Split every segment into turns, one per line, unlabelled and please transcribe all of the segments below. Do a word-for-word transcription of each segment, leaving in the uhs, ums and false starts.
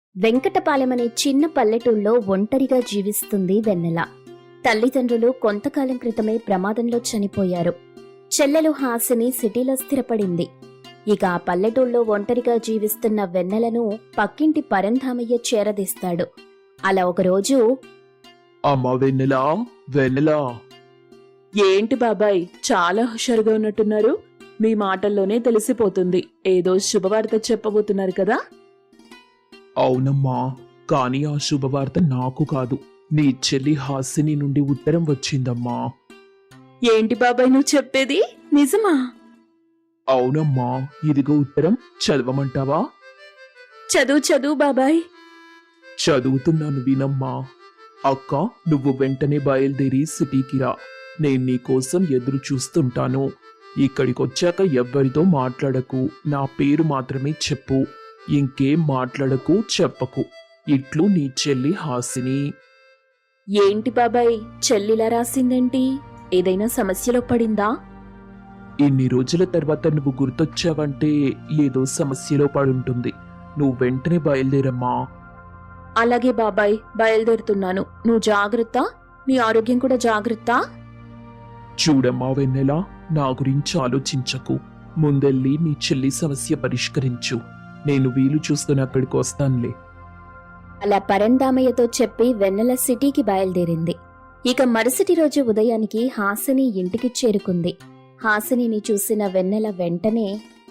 వెంకటపాలెమనే చిన్న పల్లెటూళ్ళలో ఒంటరిగా జీవిస్తుంది వెన్నెల. తల్లిదండ్రులు కొంతకాలం క్రితమే ప్రమాదంలో చనిపోయారు. చెల్లెలు హాసిని సిటీలో స్థిరపడింది. ఇక ఆ పల్లెటూళ్ళలో ఒంటరిగా జీవిస్తున్న వెన్నెలను పక్కింటి పరంధామయ్య చేరదీస్తాడు. అలా ఒకరోజు,
అమ్మా వెన్నెలా, వెన్నెలా.
ఏంటి బాబాయ్, చాలా హుషారుగా ఉన్నట్టున్నారు. మీ మాటల్లోనే తెలిసిపోతుంది ఏదో శుభవార్త చెప్పబోతున్నారు కదా.
అవునమ్మా, కానీ ఆ శుభవార్త నాకు కాదు, నీ చెల్లి హాసిని నుండి ఉత్తరం వచ్చిందమ్మా.
ఏంటి బాబాయ్ నువ్వు చెప్పేది నిజమా?
అవునమ్మా, ఇదిగో ఉత్తరం, చదవమంటావా?
చదువు చదువు బాబాయ్.
చదువుతున్నాను వినమ్మా. అక్క, నువ్వు వెంటనే బయలుదేరి సిటీకి రా. నేను నీకోసం ఎదురు చూస్తుంటాను. ఇక్కడికొచ్చాక ఎవ్వరితో మాట్లాడకు, నా పేరు మాత్రమే చెప్పు. ఇంకేం మాట్లాడకు, చెప్పకు. ఇట్లు నీ చెల్లి హాసిని.
ఏంటి బాబాయ్, చెల్లిలా రాసిందేంటి? ఏదైనా సమస్యలో పడిందా?
ఇన్ని రోజుల తర్వాత నువ్వు గుర్తొచ్చావంటే ఏదో సమస్యలో పడుంటుంది. నువ్వు వెంటనే బయలుదేరమ్మా.
అలాగే బాబాయ్, బయలుదేరుతున్నాను. నువ్వు జాగ్రత్త, నీ ఆరోగ్యం కూడా జాగ్రత్త.
చూడమ్మా వెన్నెలా, నా గురించి ఆలోచించకు. ముందెళ్ళి నీ చెల్లి సమస్య పరిష్కరించు. నేను వీలు చూస్తున్న అక్కడికి వస్తానులే.
అలా పరంధామయ్యతో చెప్పి వెన్నెల సిటీకి బయలుదేరింది. ఇక మరుసటి రోజు ఉదయానికి హాసిని ఇంటికి చేరుకుంది. హాసినిని చూసిన వెన్నెల వెంటనే,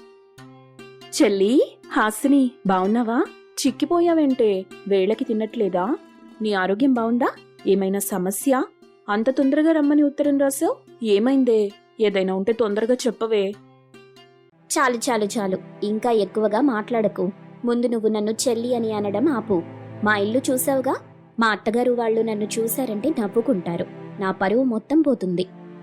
చెల్లి హాసిని, బావున్నావా? చిక్కిపోయావంటే, వేళకి తినట్లేదా? నీ ఆరోగ్యం బావుందా? ఏమైనా సమస్య? అంత తొందరగా రమ్మని ఉత్తరం రాసావు, ఏమైందే? ఏదైనా ఉంటే తొందరగా చెప్పవే.
చాలు చాలు చాలు, ఇంకా ఎక్కువగా మాట్లాడకు. ముందు నువ్వు నన్ను చెల్లి అని అనడం ఆపు. మా ఇల్లు చూసావుగా, మా అత్తగారు వాళ్ళు నన్ను చూశారంటే నవ్వుకుంటారు. నా పరువు మొత్తం పోతుంది.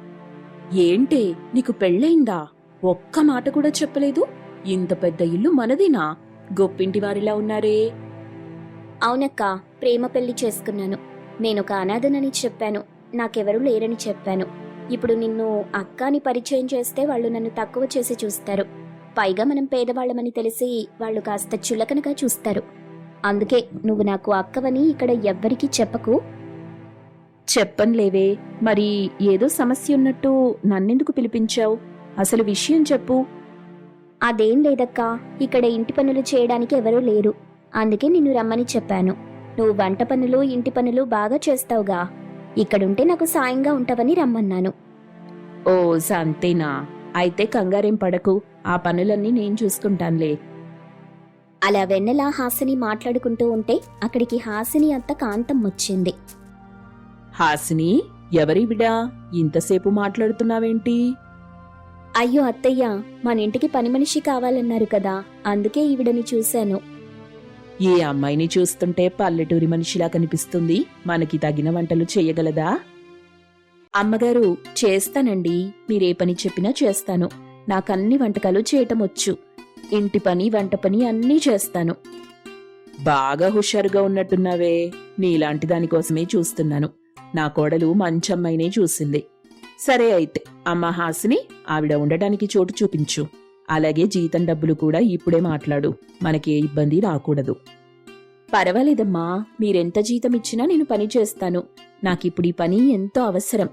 ఏంటి, నీకు పెళ్ళయిందా? ఒక్క మాట కూడా చెప్పలేదు. ఇంత పెద్ద ఇల్లు మనదేనా? గొప్పింటి వారిలా ఉన్నారే.
అవునక్క, ప్రేమ పెళ్లి చేసుకున్నాను. నేనొక అనాథనని చెప్పాను, నాకెవరూ లేరని చెప్పాను. ఇప్పుడు నిన్ను అక్కాని పరిచయం చేస్తే వాళ్ళు నన్ను తక్కువ చేసి చూస్తారు. పైగా మనం పేదవాళ్లమని తెలిసి వాళ్ళు కాస్త చులకనగా చూస్తారు. అందుకే నువ్వు నాకు అక్కవని ఇక్కడ ఎవ్వరికీ చెప్పకు.
చెప్పన్లేవే, మరి ఏదో సమస్య ఉన్నట్టు నన్నెందుకు పిలిపించావు? అసలు విషయం చెప్పు.
అదేం లేదక్కా, ఇక్కడ ఇంటి పనులు చేయడానికి ఎవరూ లేరు. అందుకే నిన్ను రమ్మని చెప్పాను. నువ్వు వంట పనులు, ఇంటి పనులు బాగా చేస్తావుగా. ఇక్కడుంటే నాకు సాయంగా ఉంటావని రమ్మన్నాను.
ఓ సంతేనా? అయితే కంగారేం పడకు, ఆ పనులన్నీ నేను చూసుకుంటానులే.
అలా వెన్నెల హాసిని మాట్లాడుకుంటూ ఉంటే అక్కడికి హాసిని అత్త కాంతం వచ్చింది.
హాసిని, ఎవరి బిడా ఇంతసేపు మాట్లాడుతున్నావేంటి?
అయ్యో అత్తయ్య, మన ఇంటికి పని మనిషి కావాలన్నారు కదా, అందుకే ఈవిడని చూశాను.
ఏ అమ్మాయిని చూస్తుంటే పల్లెటూరి మనిషిలా కనిపిస్తుంది. మనకి తగిన వంటలు చెయ్యగలదా? అమ్మగారు, చేస్తానండి. మీరే పని చెప్పినా చేస్తాను. నాకన్ని వంటకాలు చేయటం వచ్చు. ఇంటి పని, వంట పని అన్నీ చేస్తాను. బాగా హుషారుగా ఉన్నట్టున్నావే. నీలాంటి దానికోసమే చూస్తున్నాను. నా కోడలు మంచమ్మాయినే చూసింది. సరే అయితే, అమ్మ హాసిని, ఆవిడ ఉండటానికి చోటు చూపించు. అలాగే జీతం డబ్బులు కూడా ఇప్పుడే మాట్లాడు. మనకి ఏ ఇబ్బంది రాకూడదు. పర్వాలేదమ్మా, మీరెంత జీతం ఇచ్చినా నేను పని చేస్తాను. నాకిప్పుడు ఈ పని ఎంతో అవసరం.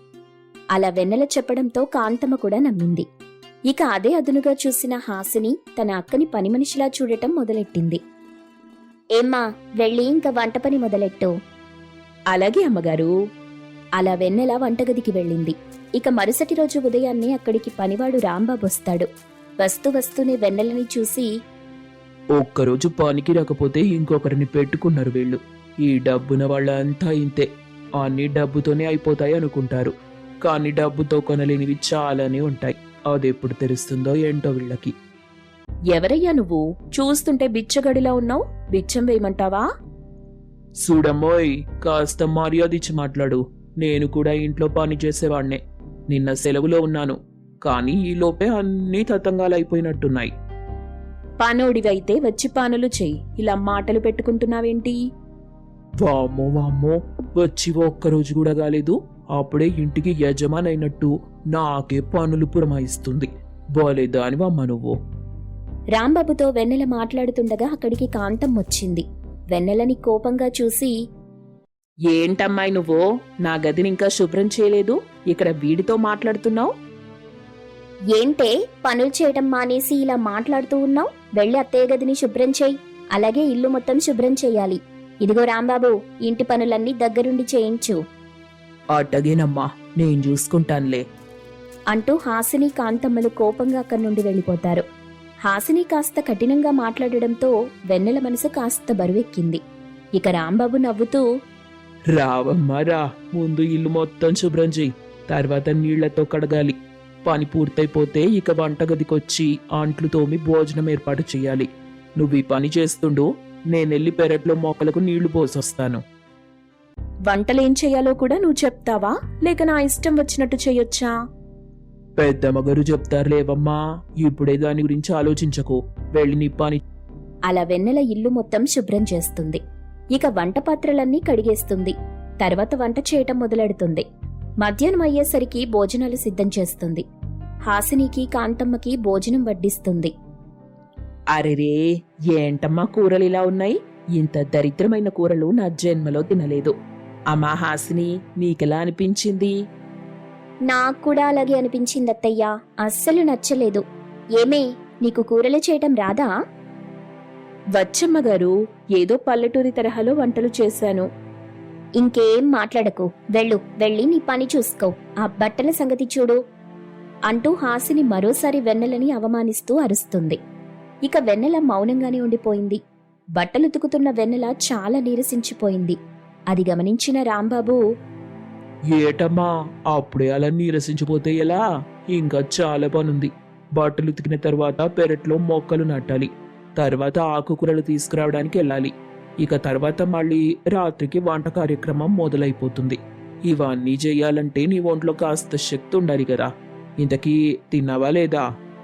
అలా వెన్నెల చెప్పడంతో కాంతమ్మ కూడా నమ్మింది. ఇక అదే అదునుగా చూసిన హాసిని తన అక్కని పని మనిషిలా చూడటం మొదలెట్టింది. ఏమ్మా, వెళ్ళి ఇంకా వంట పని మొదలెట్టు.
అలాగే అమ్మగారు.
అలా వెన్నెల వంటగదికి వెళ్ళింది. ఇక మరుసటి రోజు ఉదయాన్నే అక్కడికి పనివాడు రాంబాబు వస్తాడు. వస్తూ వస్తూనే వెన్నెలని చూసి,
ఒక్కరోజు పనికి రాకపోతే ఇంకొకరిని పెట్టుకున్నారు వీళ్ళు. ఈ డబ్బున వాళ్ళంతా ఇంతే. అన్ని డబ్బుతోనే అయిపోతాయి అనుకుంటారు, కానీ డబ్బుతో కొనలేనివి చాలానే ఉంటాయి. అదెప్పుడు తెలుస్తుందో ఏంటో వీళ్ళకి.
ఎవరయ్యా నువ్వు? చూస్తుంటే బిచ్చగడిలా ఉన్నావు. బిచ్చం వేయమంటావా?
చూడమ్మోయ్, కాస్త మర్యాద ఇచ్చి మాట్లాడు. నేను కూడా ఇంట్లో పని చేసేవాణ్ణే. నిన్న సెలవులో ఉన్నాను, కానీ ఈ లోపే అన్నీ తతంగాలైపోయినట్టున్నాయి.
పానోడివైతే వచ్చి పానులు చెయ్యి. ఇలా మాటలు పెట్టుకుంటున్నావేంటి?
వామ్మో వామ్మో, వచ్చి ఒక్కరోజు కూడా కాలేదు, అప్పుడే ఇంటికి యజమానైనట్టు నాకే పనులు పురమాయిస్తుంది. బాలేదా అని అమ్మ నువ్వు.
రాంబాబుతో వెన్నెల మాట్లాడుతుండగా అక్కడికి కాంతం వచ్చింది. వెన్నెలని కోపంగా చూసి,
ఏంటమ్మాయి నువ్వు నా గదిని ఇంకా శుభ్రం చేయలేదు, ఇక్కడ వీడితో మాట్లాడుతున్నావు?
ఏంటే పనులు చేయటం మానేసి ఇలా మాట్లాడుతూ ఉన్నావు? వెళ్ళి అత్తయ్య గదిని శుభ్రం చేయి. అలాగే ఇల్లు మొత్తం శుభ్రం చేయాలి. ఇదిగో రాంబాబు, ఇంటి పనులన్నీ దగ్గరుండి చేయించు
అట్టగేనమ్మా, నేను చూసుకుంటానులే.
అంటూ హాసిని కాంతమ్మలు కోపంగా అక్కడి నుండి వెళ్ళిపోతారు. హాసిని కాస్త కఠినంగా మాట్లాడడంతో వెన్నెల మనసు కాస్త బరువెక్కింది. ఇక రాంబాబు నవ్వుతూ,
రావమ్మా రా, ముందు ఇల్లు మొత్తం శుభ్రం చెయ్యి, తర్వాత నీళ్లతో కడగాలి. పని పూర్తయిపోతే ఇక వంటగదికొచ్చి అంట్లు తోమి భోజనం ఏర్పాటు చెయ్యాలి. నువ్వు ఈ పని చేస్తుండు, నేనెళ్ళి పెరట్లో మొక్కలకు నీళ్లు పోసొస్తాను.
వంటలేం చేయాలో కూడా నువ్వు చెప్తావా, లేక నా ఇష్టం వచ్చినట్టు చెయ్యొచ్చా?
పెద్దమ్మగారు చెప్తారులేవమ్మా, ఇప్పుడే దాని గురించి ఆలోచించకు, వెళ్ళి నీ పని.
అలా వెన్నెల ఇల్లు మొత్తం శుభ్రం చేస్తుంది. ఇక వంట పాత్రలన్నీ కడిగేస్తుంది. తర్వాత వంట చేయటం మొదలెడుతుంది. మధ్యాహ్నం అయ్యేసరికి భోజనాలు సిద్ధం చేస్తుంది. హాసినికి కాంతమ్మకి భోజనం వడ్డిస్తుంది.
అరెరే, ఏంటమ్మా కూరలు ఇలా ఉన్నాయి? ఇంత దరిద్రమైన కూరలు నా జన్మలో తినలేదు. అమ్మా హాసిని, నీకెలా అనిపించింది?
నాకు కూడా అలాగే అనిపించింది అత్తయ్యా, అస్సలు నచ్చలేదు. ఏమే, నీకు కూరలు చేయటం రాదా?
వచ్చమ్మగారు, ఏదో పల్లెటూరి తరహాలో వంటలు చేశాను.
ఇంకేం మాట్లాడకు, వెళ్ళు, వెళ్ళి నీ పని చూసుకో. ఆ బట్టల సంగతి చూడు అంటూ హాసిని మరోసారి వెన్నెలని అవమానిస్తూ అరుస్తుంది. ఇక వెన్నెల మౌనంగానే ఉండిపోయింది. బట్టలుతుకుతున్న వెన్నెల చాలా నీరసించిపోయింది. అది గమనించిన రాంబాబు,
ఏటమ్మా, అప్పుడే అలా నీరసించిపోతే ఎలా? ఇంకా చాలా పనుంది. బట్టలు ఉతికిన తర్వాత పెరట్లో మొక్కలు నాటాలి, తర్వాత ఆకుకూరలు తీసుకురావడానికి వెళ్ళాలి. ఇక తర్వాత మళ్ళీ రాత్రికి వంట కార్యక్రమం మొదలైపోతుంది. ఇవన్నీ చెయ్యాలంటే నీ ఒంట్లో కాస్త శక్తి ఉండాలి కదా. ఇంతకీ తిన్నావా లేదా?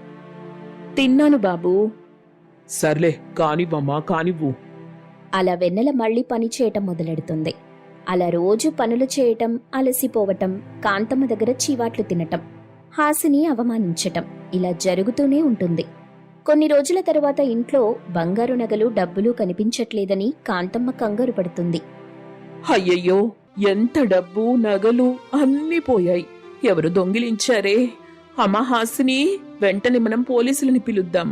తిన్నాను బాబూ.
సర్లే, కానివ్వమ్మా, కానివ్వు.
అలా వెన్నెల మళ్లీ పని చేయటం మొదలెడుతుంది. అలా రోజు పనులు చేయటం, అలసిపోవటం, కాంతమ్మ దగ్గర చీవాట్లు తినటం, హాసిని అవమానించటం ఇలా జరుగుతూనే ఉంటుంది. కొన్ని రోజుల తరువాత ఇంట్లో బంగారు నగలు, డబ్బులు కనిపించట్లేదని కాంతమ్మ కంగారు పడుతుంది.
అయ్యయ్యో, ఎంత డబ్బు నగలు అన్నీ పోయాయి. ఎవరు దొంగిలించారే? అమ్మా హాసిని, వెంటనే మనం పోలీసులని పిలుద్దాం.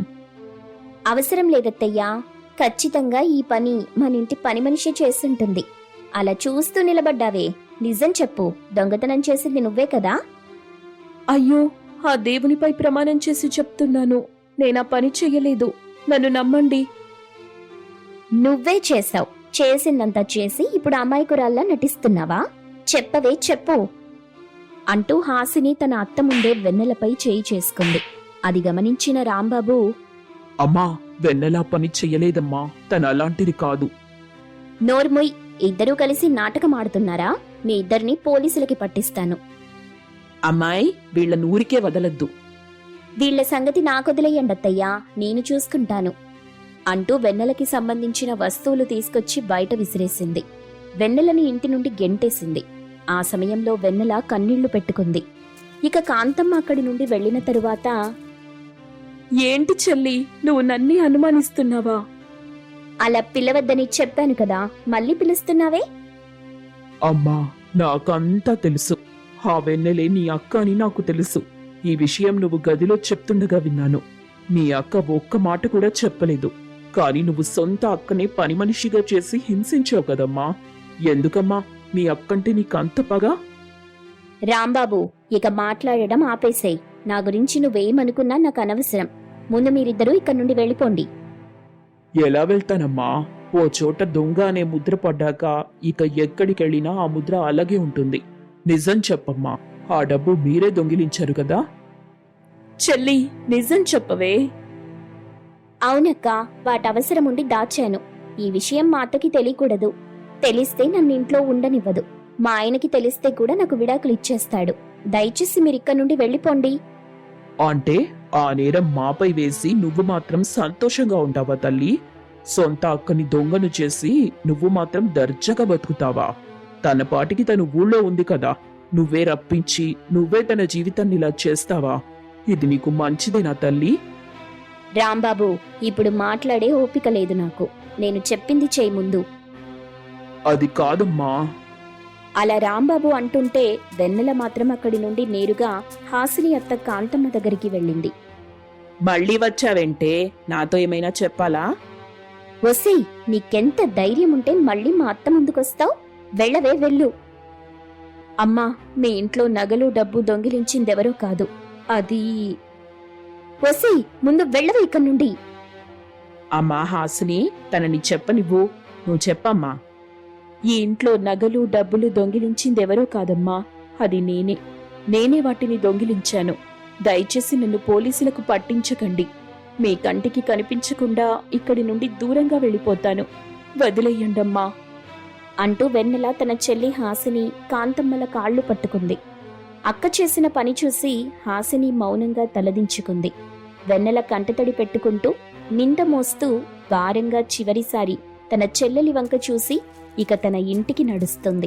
అవసరం లేదత్తయ్యా, ఖచ్చితంగా ఈ పని మన ఇంటి పని మనిషి చేస్తుంటుంది. అలా చూస్తూ నిలబడ్డావే, నిజం చెప్పు, దొంగతనం చేసింది నువ్వే కదా?
అయ్యో, ఆ దేవునిపై ప్రమాణం చేసి చెప్తున్నాను, నేనా పని చెయ్యలేదు, నన్ను నమ్మండి.
నువ్వే చేశావు. చేసిందంతా చేసి ఇప్పుడు అమాయకురాల్లా నటిస్తున్నావా? చెప్పవే, చెప్పు అంటూ హాసిని తన అత్త ముందే వెన్నెలపై చేయి చేసుకుంది. అది గమనించిన రాంబాబు,
అమ్మా, వెన్నెలా పని చెయ్యలేదమ్మా, తను అలాంటిది కాదు.
నోర్ముయ్, ఇద్దరూ కలిసి నాటకం ఆడుతున్నారా? మీ ఇద్దరిని పోలీసులకి పట్టిస్తాను.
అమ్మాయి, వీళ్ళ నూరికే వదలద్దు.
వీళ్ల సంగతి నాకొదిలేయండత్తయ్యా, నేను చూసుకుంటాను అంటూ వెన్నెలకి సంబంధించిన వస్తువులు తీసుకొచ్చి బయట విసిరేసింది. వెన్నెలని ఇంటి నుండి గెంటేసింది. ఆ సమయంలో వెన్నెల కన్నీళ్లు పెట్టుకుంది. ఇక కాంతమ్మ అక్కడి నుండి వెళ్లిన తరువాత,
ఏంటి చెల్లి, నువ్వు నన్నే అనుమానిస్తున్నావా?
అలా పిలవద్దని చెప్పాను కదా, మళ్ళీ పిలుస్తున్నావే?
అమ్మా, నాకంతా తెలుసు. ఆ వెన్నెలే నీ అక్క అని నాకు తెలుసు. ఈ విషయం నువ్వు గదిలో చెప్తుండగా విన్నాను. మీ అక్క ఒక్క మాట కూడా చెప్పలేదు, కానీ నువ్వు సొంత అక్కనే పని మనిషిగా చేసి హింసించావు కదమ్మా. ఎందుకమ్మా మీ అక్కంటే నీకంత పగా?
రాంబాబు, ఇక మాట్లాడడం ఆపేసేయ్. నా గురించి నువ్వేమనుకున్నా నాకు అనవసరం. ముందు మీరిద్దరూ ఇక్కడి నుండి వెళ్ళిపోండి.
ఎలా వెళ్తానమ్మా? ఓ చోట దొంగ అనే ముద్ర పడ్డాక ఇక ఎక్కడికెళ్ళినా ఆ ముద్ర అలాగే ఉంటుంది. నిజం చెప్పమ్మా, ఆ డబ్బు మీరే దొంగిలించారు కదా?
చెల్లి, నిజం చెప్పవే.
అవునక్క, వాటవసరం ఉండి దాచాను. ఈ విషయం మా అత్తకి తెలియకూడదు. తెలిస్తే నన్ను ఇంట్లో ఉండనివ్వదు. మా ఆయనకి తెలిస్తే కూడా నాకు విడాకులు ఇచ్చేస్తాడు. దయచేసి మీరిక్కడి నుండి వెళ్ళిపోండి.
అంటే ఆ నేరం మాపై వేసి నువ్వు మాత్రం సంతోషంగా ఉంటావా తల్లి? సొంత అక్కని దొంగను చేసి నువ్వు మాత్రం దర్జాగా బతుకుతావా? తన పాటికి తను ఊళ్ళో ఉంది కదా, నువ్వే రప్పించి నువ్వే తన జీవితాన్ని ఇలా చేస్తావా? ఇది నీకు మంచిదేనా తల్లి?
రాంబాబు, ఇప్పుడు మాట్లాడే ఓపిక లేదు నాకు. నేను చెప్పింది చేయి ముందు.
అది కాదమ్మా.
అలా రాంబాబు అంటుంటే వెన్నెల మాత్రం అక్కడి నుండి నేరుగా హాసిని అత్త కాంతమ్మ దగ్గరికి వెళ్ళింది.
మళ్ళీ వచ్చావంటే నాతో ఏమైనా చెప్పాలా?
వసీ, నీకెంత ధైర్యం ఉంటే మళ్ళీ మా అత్త ముందుకొస్తావు? వెళ్ళవే వెళ్ళు. అమ్మా, మీ ఇంట్లో నగలు డబ్బు దొంగిలించిందెవరో కాదు, అది... వసీ, ముందు వెళ్ళవే ఇక్కడి నుండి.
అమ్మా హాసిని, తనని చెప్పనివ్వు. నువ్వు చెప్పమ్మా. ఈ ఇంట్లో నగలు డబ్బులు దొంగిలించిందెవరో కాదమ్మా, అది నేనే. నేనే వాటిని దొంగిలించాను. దయచేసి నన్ను పోలీసులకు పట్టించకండి. మీ కంటికి కనిపించకుండా ఇక్కడి నుండి దూరంగా వెళ్ళిపోతాను. వదిలేయండమ్మా
అంటూ వెన్నెల తన చెల్లి హాసిని కాంతమ్మల కాళ్ళు పట్టుకుంది. అక్క చేసిన పని చూసి హాసిని మౌనంగా తలదించుకుంది. వెన్నెల కంటతడి పెట్టుకుంటూ నింద మోస్తూ భారంగా చివరిసారి తన చెల్లెలి వంక చూసి ఇక తన ఇంటికి నడుస్తుంది.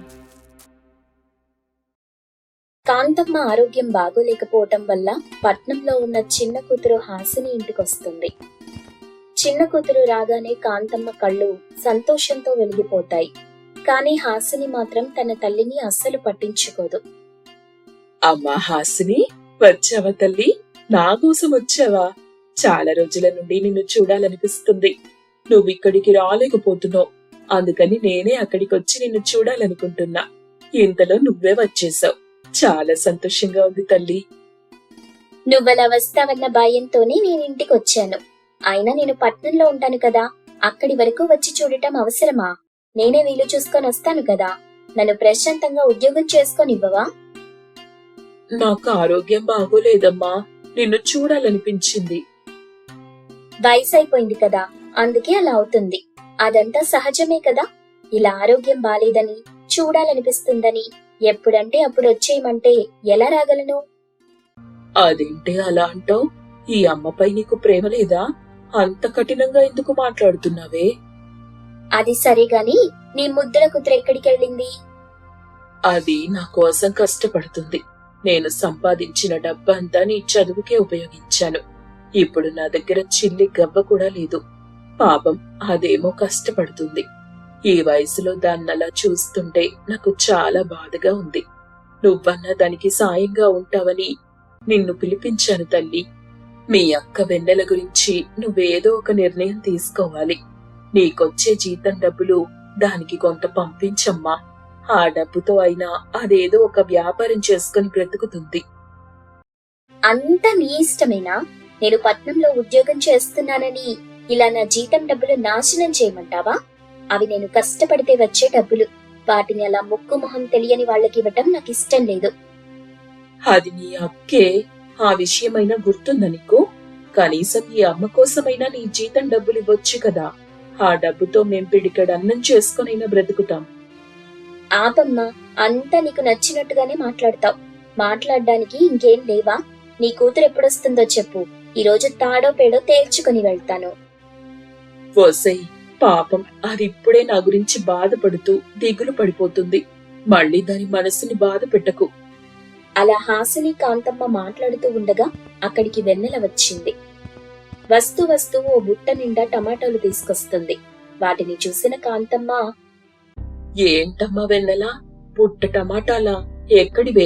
కాంతమ్మ ఆరోగ్యం బాగోలేకపోవటం వల్ల పట్నంలో ఉన్న చిన్న కూతురు హాసిని ఇంటికొస్తుంది. చిన్న కూతురు రాగానే కాంతమ్మ కళ్ళు సంతోషంతో వెలిగిపోతాయి. కానీ హాసిని మాత్రం తన తల్లిని అస్సలు పట్టించుకోదు.
అమ్మా హాసిని, వచ్చావా తల్లి? నా కోసం వచ్చావా? చాలా రోజుల నుండి నిన్ను చూడాలనిపిస్తుంది. నువ్వు ఇక్కడికి రాలేకపోతున్నావు, అందుకని నేనే అక్కడికి వచ్చి నిన్ను చూడాలనుకుంటున్నా. ఇంతలో నువ్వే వచ్చేసావు. చాలా సంతోషంగా ఉంది తల్లి.
నువ్వలా వస్తావన్న భయంతోనే నేను ఇంటికి వచ్చాను. అయినా నేను పట్నంలో ఉంటాను కదా, అక్కడి వరకు వచ్చి చూడటం అవసరమా? నేనే వీలు చూసుకొని వస్తాను కదా. నన్ను ప్రశాంతంగా ఉద్యోగం చేసుకొనివ్వవా?
నాకు ఆరోగ్యం బాగోలేదమ్మా, నిన్ను చూడాలనిపించింది.
వయసు అయిపోయింది కదా, అందుకే అలా అవుతుంది. అదంతా సహజమే కదా. ఇలా ఆరోగ్యం బాలేదని, చూడాలనిపిస్తుందని ఎప్పుడంటే అప్పుడు వచ్చేయమంటే ఎలా రాగలను?
అదేంటి అలా అంటావు? ఈ అమ్మపై నీకు ప్రేమ లేదా? అంత కఠినంగా ఎందుకు మాట్లాడుతున్నావే?
అది సరేగాని నీ ముద్దుల కూతురు ఎక్కడికి వెళ్ళింది?
అది నా కోసం కష్టపడుతుంది. నేను సంపాదించిన డబ్బంతా నీ చదువుకే ఉపయోగించాను. ఇప్పుడు నా దగ్గర చిల్లి గవ్వ కూడా లేదు. పాపం, అదేమో కష్టపడుతుంది. ఈ వయసులో దాన్నలా చూస్తుంటే నాకు చాలా బాధగా ఉంది. నువ్వన్నా దానికి సాయంగా ఉంటావని నిన్ను పిలిపించాను తల్లి. మీ అక్క వెన్నెల గురించి నువ్వేదో ఒక నిర్ణయం తీసుకోవాలి. నీకొచ్చే జీతం డబ్బులు దానికి కొంత పంపించమ్మా. ఆ డబ్బుతో అయినా అదేదో ఒక వ్యాపారం చేసుకుని బ్రతుకుతుంది.
అంతా నీ ఇష్టమేనా? నేను పట్నంలో ఉద్యోగం చేస్తున్నానని ఇలా నా జీతం డబ్బులు నాశనం చేయమంటావా? అవి నేను కష్టపడితే వచ్చే డబ్బులు. వాటిని అలా ముక్కు మొహం తెలియని వాళ్ళకి ఇవ్వటం నాకు ఇష్టం లేదు.
అది నీ అక్కే. ఆ విషయమైనా గుర్తుందా నీకు? కనీసం ఈ అమ్మ కోసమైనా నీ జీతం డబ్బులు ఇవ్వచ్చు కదా. ఆ డబ్బుతో మేం పిడికడు అన్నం చేసుకునైనా బ్రతుకుతాం.
ఆపమ్మా, అంతా నీకు నచ్చినట్టుగానే మాట్లాడతావు. మాట్లాడడానికి ఇంకేం లేవా? నీ కూతురు ఎప్పుడొస్తుందో చెప్పు. ఈ రోజు తాడో పేడో తేల్చుకుని వెళ్తాను.
ఓసై, పాపం, అది ఇప్పుడే నా గురించి బాధపడుతూ దిగులు పడిపోతుంది. మళ్ళీ దాని మనసుని బాధ పెట్టకు.
అలా హాసిని కాంతమ్మ మాట్లాడుతూ ఉండగా అక్కడికి వెన్నెల వచ్చింది. వస్తూ వస్తూ ఓ బుట్ట నిండా టమాటాలు తీసుకొస్తుంది. వాటిని చూసిన కాంతమ్మ,
ఏంటమ్మా వెన్నెలా, పుట్ట టమాటాలా? ఎక్కడివే?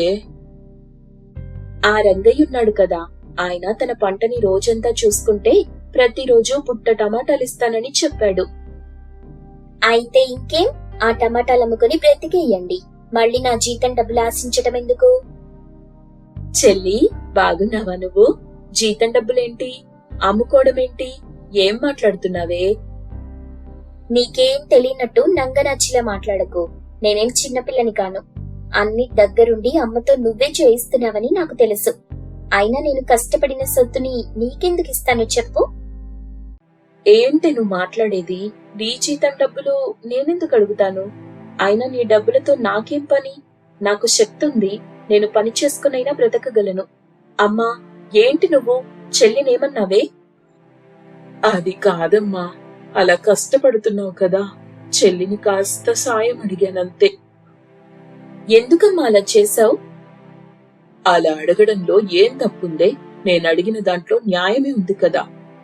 ఆ రంగయ్య ఉన్నాడు కదా, ఆయన తన పంటని రోజంతా చూసుకుంటే ప్రతిరోజు పుట్ట టమాటాలిస్తానని చెప్పాడు. అయితే ఇంకేం, ఆ టమాటాలు అమ్ముకుని బ్రతికేయండి. మళ్ళీ నా జీతం డబ్బులు ఆశించటం ఎందుకు?
చెల్లి, బాగున్నావా నువ్వు? జీతం డబ్బులేంటి, అమ్ముకోవడమేంటి? ఏం మాట్లాడుతున్నావే?
నీకేం తెలియనట్టు నంగనాచిలా మాట్లాడకు. నేనేం చిన్నపిల్లని కాను. అన్ని దగ్గరుండి అమ్మతో నువ్వే చేయిస్తున్నావని నాకు తెలుసు. అయినా నేను కష్టపడిన సొత్తుని నీకెందుకు ఇస్తాను చెప్పు?
ఏంటి నువ్వు మాట్లాడేది? నీ జీతం డబ్బులు నేనెందుకు అడుగుతాను? అయినా నీ డబ్బులతో నాకేం పని? నాకు శక్తి ఉంది, నేను పని చేసుకునైనా బ్రతకగలను. అమ్మా, ఏంటి నువ్వు చెల్లినేమన్నావే? అది కాదమ్మా, అలా కష్టపడుతున్నావు కదా, చెల్లిని కాస్త సాయం అడిగానంతే.
ఎందుకమ్మా అలా చేశావు?
అలా అడగడంలో ఏం తప్పుందే? నేను అడిగిన దాంట్లో న్యాయమే ఉంది కదా.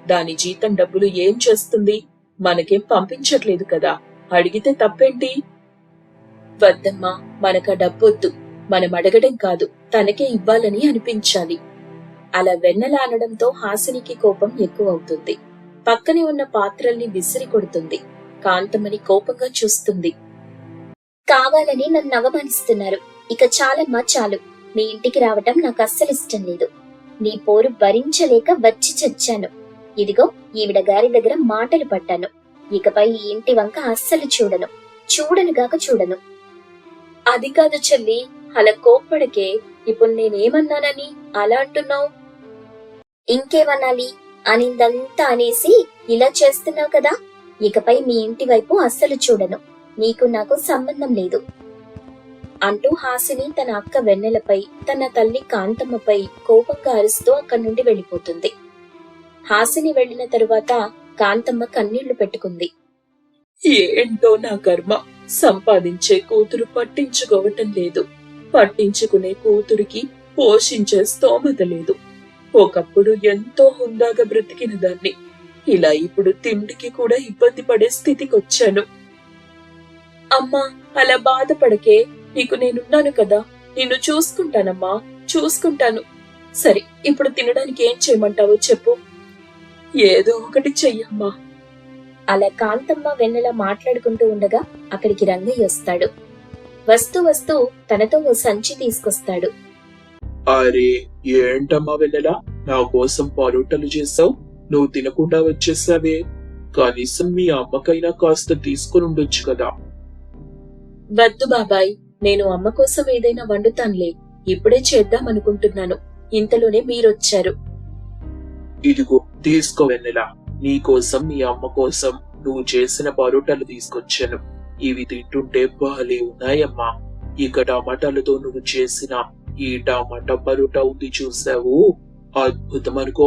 దాని జీతం డబ్బులు ఏం చేస్తుంది? మనకేం పంపించట్లేదు కదా, అడిగితే తప్పేంటి? వద్దమ్మా, మనకా డబ్బొద్దు. మనం అడగడం కాదు, తనకే ఇవ్వాలని అనిపించాలి. అలా వెన్నెల అనడంతో హాసినికి కోపం ఎక్కువవుతుంది. పక్కనే ఉన్న పాత్రల్ని విసిరి కొడుతుంది. కాంతమని కోపంగా చూస్తుంది.
కావాలని నన్ను అవమానిస్తున్నారు. ఇక చాలమ్మా చాలు. మీ ఇంటికి రావటం నాకు అస్సలు ఇష్టం లేదు. నీ పోరు భరించలేక వచ్చి చచ్చాను. ఇదిగో ఈవిడ గారి దగ్గర మాటలు పడ్డాను. ఇకపై ఈ ఇంటి వంక అస్సలు చూడను. చూడనుగాక చూడను. అది కాదు చెల్లి, అలా కోప్పడికే. ఇప్పుడు నేనేమన్నానని అలా అంటున్నావు? ఇంకేమనాలి? అనిందంతా అనేసి ఇలా చేస్తున్నావు కదా. ఇకపై మీ ఇంటి వైపు అస్సలు చూడను. నీకు నాకు సంబంధం లేదు అంటూ హాసిని తన అక్క వెన్నెలపై, తన తల్లి కాంతమ్మపై కోపంగా అరుస్తూ అక్కడి నుండి వెళ్లిపోతుంది. హాసిని వెళ్లిన తరువాత కాంతమ్మ కన్నీళ్లు పెట్టుకుంది.
ఏంటో నా కర్మ, సంపాదించే కూతురు పట్టించుకోవటం లేదు. పట్టించుకునే కూతురికి పోషించే స్తోమత లేదు. ఒకప్పుడు ఎంతో హుందాగా బ్రతికిన దాన్ని ఇలా ఇప్పుడు తిండికి కూడా ఇబ్బంది పడే స్థితికొచ్చాను. అమ్మా, అలా బాధపడకే. నీకు నేనున్నాను కదా, నిన్ను చూసుకుంటానమ్మా, చూసుకుంటాను. సరే, ఇప్పుడు తినడానికి ఏం చేయమంటావో చెప్పు. ఏదో ఒకటి చెయ్యమ్మా.
అలా కాంతమ్మ వెన్నెల మాట్లాడుకుంటూ ఉండగా అక్కడికి రంగయ్య వస్తాడు. వస్తూ వస్తూ తనతో ఓ సంచి తీసుకొస్తాడు.
అరే, ఏంటమ్మా వెన్నెలా, నా కోసం పరోటాలు చేసావు? నువ్వు తినకుండా వచ్చేసావే. కనీసం మీ అమ్మకైనా కాస్త తీసుకుని ఉండొచ్చు కదా.
వద్దు బాబాయ్, నేను అమ్మ కోసం ఏదైనా వండుతానులే. ఇప్పుడే చేద్దామనుకుంటున్నాను. ఇంతలోనే మీరొచ్చారు.
ఇదిగో తీసుకో వెన్నెలా, నీ కోసం మీ అమ్మ కోసం నువ్వు చేసిన పరోటాలు తీసుకొచ్చాను. ఇవి తింటుంటే బాలే ఉన్నాయమ్మా. ఇక టమాటాలతో నువ్వు చేసిన ఈ టమాటా పరోటా ఉంది చూసావు, అద్భుతం అనుకో.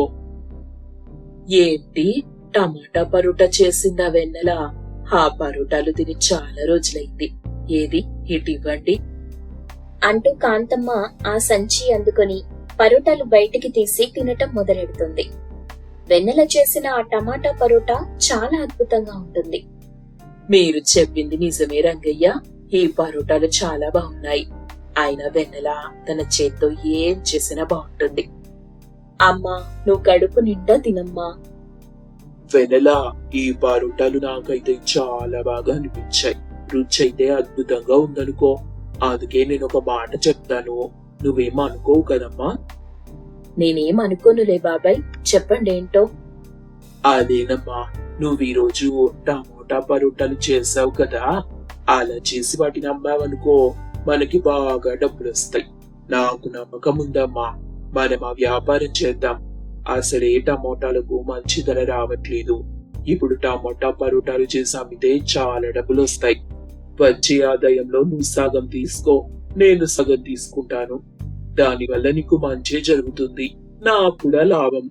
ఏంటి, టమాటా పరోటా చేసిందా వెన్నెల? ఆ పరోటాలు తిని చాలా రోజులైంది. ఏది, ఇటు ఇవ్వండి
అంటూ కాంతమ్మ ఆ సంచి అందుకొని పరోటాలు బయటికి తీసి తినటం మొదలెడుతుంది. వెన్నెల చేసిన ఆ టమాటా పరోటా చాలా అద్భుతంగా ఉంటుంది.
మీరు చెప్పింది నిజమే రంగయ్య, ఈ పరోటాలు చాలా బాగున్నాయి. అయినా వెన్నెల తన చేత్తో ఏం చేసినా బాగుంటుంది. అమ్మా, నువ్వు కడుపు నిండా తినమ్మా.
వెనెలా, ఈ పరోటాలు నాకైతే చాలా బాగా అనిపించాయి. రుచి అయితే అద్భుతంగా ఉందనుకో. అందుకే నేను ఒక మాట చెప్తాను, నువ్వేం అనుకోవు కదమ్మా?
నేనేం అనుకోనులే బాబాయ్, చెప్పండి ఏంటో.
అదేనమ్మా, నువ్వు ఈ రోజు టమోటా పరోటాలు చేసావు కదా, అలా చేసి వాటిని అమ్మావనుకో, మనకి బాగా డబ్బులు వస్తాయి. నాకు నమ్మకం ఉందమ్మా, మనం ఆ వ్యాపారం చేద్దాం. అసలే టమోటాలకు మంచి ధర రావట్లేదు. ఇప్పుడు టమోటా పరోటాలు చేసి అమ్మితే చాలా డబ్బులు వస్తాయి. వచ్చే ఆదాయంలో నువ్వు సగం తీసుకో, నేను సగం తీసుకుంటాను. దానివల్ల నీకు మంచి జరుగుతుంది, నాకు కూడా లాభం.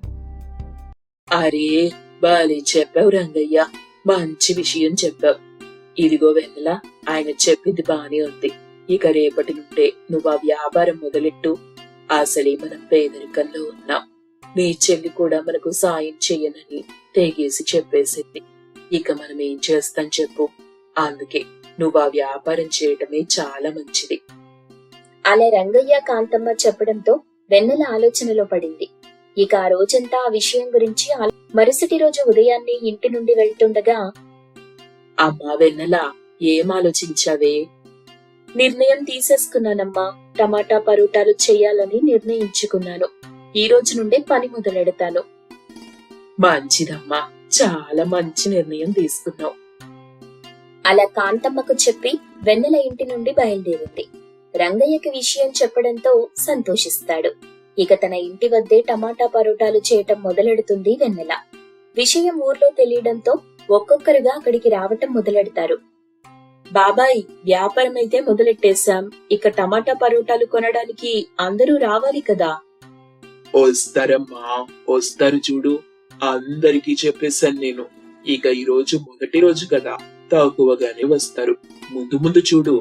అరే, బాలే చెప్పావు రంగయ్య, మంచి విషయం చెప్పావు. ఇదిగో వెన్నెల, ఆయన చెప్పింది బానే ఉంది. ఇక రేపటి నుండే నువ్వు ఆ వ్యాపారం మొదలెట్టు. అసలే మనం పేదరికంలో ఉన్నాం. నీ చెల్లి కూడా మనకు సాయం చెయ్యనని తెగేసి చెప్పేసింది. ఇక మనం ఏం చేస్తాం చెప్పు? అందుకే నువ్వు ఆ వ్యాపారం చేయటమే చాలా మంచిది.
అలా రంగయ్య కాంతమ్మ చెప్పడంతో వెన్నెల ఆలోచనలో పడింది. ఇక ఆ రోజంతా ఆ విషయం గురించి ఆలో- మరుసటి రోజు ఉదయాన్నే ఇంటి నుండి వెళ్తుండగా,
అమ్మా వెన్నెల, ఏం ఆలోచించావే?
నిర్ణయం తీసేసుకున్నానమ్మా. టమాటా పరోటాలు చెయ్యాలని నిర్ణయించుకున్నాను. ఈ రోజు నుండే పని మొదలెడతాను.
మంచిదమ్మా, చాలా మంచి నిర్ణయం తీసుకున్నావు.
అలా కాంతమ్మకు చెప్పి వెన్నెల ఇంటి నుండి బయలుదేరింది. రంగయ్యకి విషయం చెప్పడంతో సంతోషిస్తాడు. ఇక తన ఇంటి వద్దే టమాటా పరోటాలు చేయటం మొదలెడుతుంది వెన్నెల. విషయం ఊర్లో తెలియడంతో ఒక్కొక్కరుగా అక్కడికి రావటం మొదలెడతారు.
బాబాయ్, వ్యాపారం అయితే మొదలెట్టేశాం. ఇక టమాటా పరోటాలు కొనడానికి అందరూ రావాలి కదా.
వస్తారమ్మా, వస్తారు చూడు. అందరికీ చెప్పేశాను నేను. ఇక ఈ రోజు మొదటి రోజు కదా, తక్కువగానే వస్తారు. ముందు ముందు చూడు.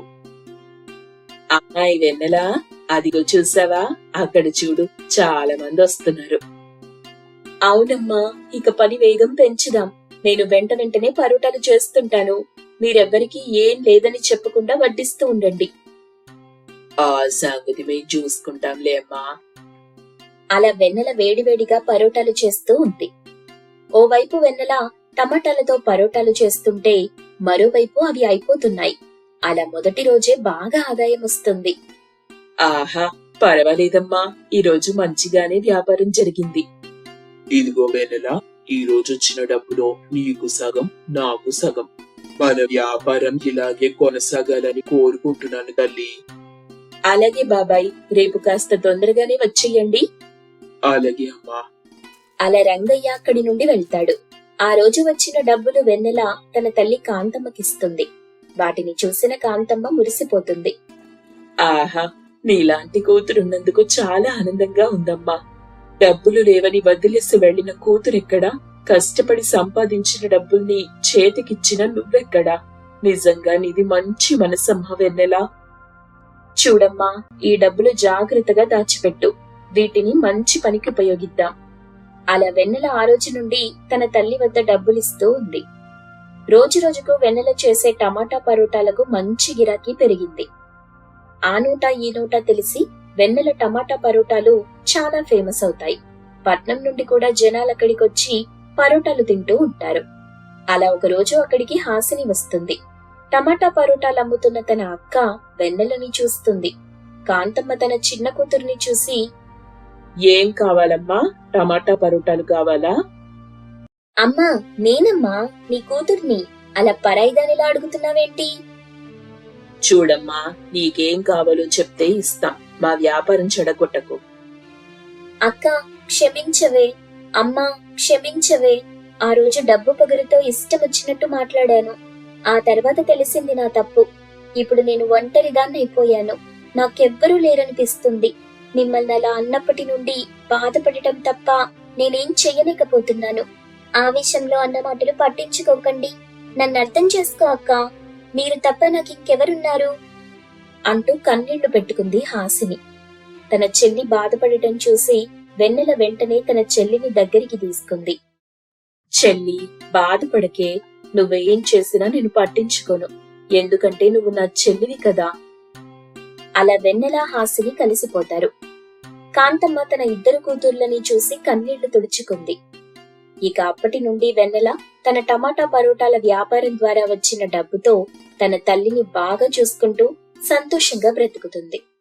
అమ్మాయి వెన్నెలా, అదిగో చూసావా, అక్కడ చూడు, చాలా మంది వస్తున్నారు. అవునమ్మా, ఇక పని వేగం పెంచుదాం. నేను వెంట వెంటనే పరోటాలు చేస్తుంటాను. మీరెవ్వరికీ ఏం లేదని చెప్పకుండా వడ్డిస్తూ ఉండండి. ఆ సంగతి మేము చూసుకుంటాంలే అమ్మా.
అలా వెన్నెల వేడివేడిగా పరోటాలు చేస్తూ ఉంది. ఓవైపు వెన్నెల టమాటాలతో పరోటాలు చేస్తుంటే మరోవైపు అవి అయిపోతున్నాయి. అలా మొదటి రోజే బాగా ఆదాయం వస్తుంది.
ఆహా, పర్వాలేదమ్మా, ఈ రోజు మంచిగానే వ్యాపారం జరిగింది.
ఇదిగో వెన్నెల, ఈ రోజు వచ్చిన డబ్బులో నీకు సగం నాకు సగం. మన వ్యాపారం ఇలాగే కొనసాగాలని కోరుకుంటున్నాను తల్లి.
అలాగే బాబాయ్, రేపు కాస్త తొందరగానే వచ్చేయండి.
అలాగే అమ్మా.
అలా రంగయ్య అక్కడి నుండి వెళ్తాడు. ఆ రోజు వచ్చిన డబ్బులు వెన్నెల తన తల్లి కాంతమ్మకిస్తుంది. వాటిని చూసిన కాంతమ్మ మురిసిపోతుంది.
ఆహా, నీలాంటి కూతురున్నందుకు చాలా ఆనందంగా ఉందమ్మా. డబ్బులు లేవని వదిలేసి వెళ్లిన కూతురెక్కడా? కష్టపడి సంపాదించిన డబ్బుల్ని చేతికిచ్చిన నువ్వెక్కడా? నిజంగా నీది మంచి మనసమ్మా వెన్నెలా. చూడమ్మా, ఈ డబ్బులు జాగ్రత్తగా దాచిపెట్టు. వీటిని మంచి పనికి ఉపయోగిద్దాం. అలా వెన్నెల ఆ రోజు నుండి తన తల్లి వద్ద డబ్బులిస్తూ ఉంది. రోజు రోజుకు వెన్నెల చేసే టమాటా పరోటాలకు మంచి గిరాకీ పెరిగింది. ఆ నోటా ఈ నోటా తెలిసి వెన్నెల టమాటా పరోటాలు చాలా ఫేమస్ అవుతాయి. పట్నం నుండి కూడా జనాలు అక్కడికొచ్చి పరోటాలు తింటూ ఉంటారు. అలా ఒక రోజు అక్కడికి హాసిని వస్తుంది. టమాటా పరోటాలు అమ్ముతున్న తన అక్క వెన్నెలని చూస్తుంది. కాంతమ్మ తన చిన్న కూతుర్ని చూసి, ఏం కావాలమ్మా? టమాటా పరోటాలు కావాలా?
అమ్మా, నేనమ్మా, నీ కూతుర్ని. అలా పరాయిదానిలా అడుగుతున్నావేంటి?
చూడమ్మా, నీకేం కావాలో చెప్తే ఇస్తాం. మా వ్యాపారం చెడగొట్టకు.
అక్క, క్షమించవే. అమ్మా, క్షమించవే. ఆ రోజు డబ్బు పొగరుతో ఇష్టం వచ్చినట్టు మాట్లాడాను. ఆ తర్వాత తెలిసింది నా తప్పు. ఇప్పుడు నేను ఒంటరిదాన్ని అయిపోయాను. నాకెవ్వరూ లేరనిపిస్తుంది. మిమ్మల్ని అలా అన్నప్పటి నుండి బాధపడటం తప్ప నేనేం చెయ్యలేకపోతున్నాను. ఆవేశంలో అన్న మాటలు పట్టించుకోకండి. నన్ను అర్థం చేసుకో అక్క. మీరు తప్ప నాకు ఇంకెవరున్నారు? అంటూ కన్నీళ్లు పెట్టుకుంది హాసిని. తన చెల్లి బాధపడటం చూసి వెన్నెల వెంటనే తన చెల్లిని దగ్గరికి తీసుకుంది.
చెల్లి, బాధపడకే. నువ్వేం చేసినా నేను పట్టించుకోను. ఎందుకంటే నువ్వు నా చెల్లివి కదా.
అలా వెన్నెల హాసిని కలిసిపోతారు. కాంతమ్మ తన ఇద్దరు కూతుర్లని చూసి కన్నీళ్లు తుడుచుకుంది. ఇక అప్పటి నుండి వెన్నెల తన టమాటా పరోటాల వ్యాపారం ద్వారా వచ్చిన డబ్బుతో తన తల్లిని బాగా చూసుకుంటూ సంతోషంగా బ్రతుకుతుంది.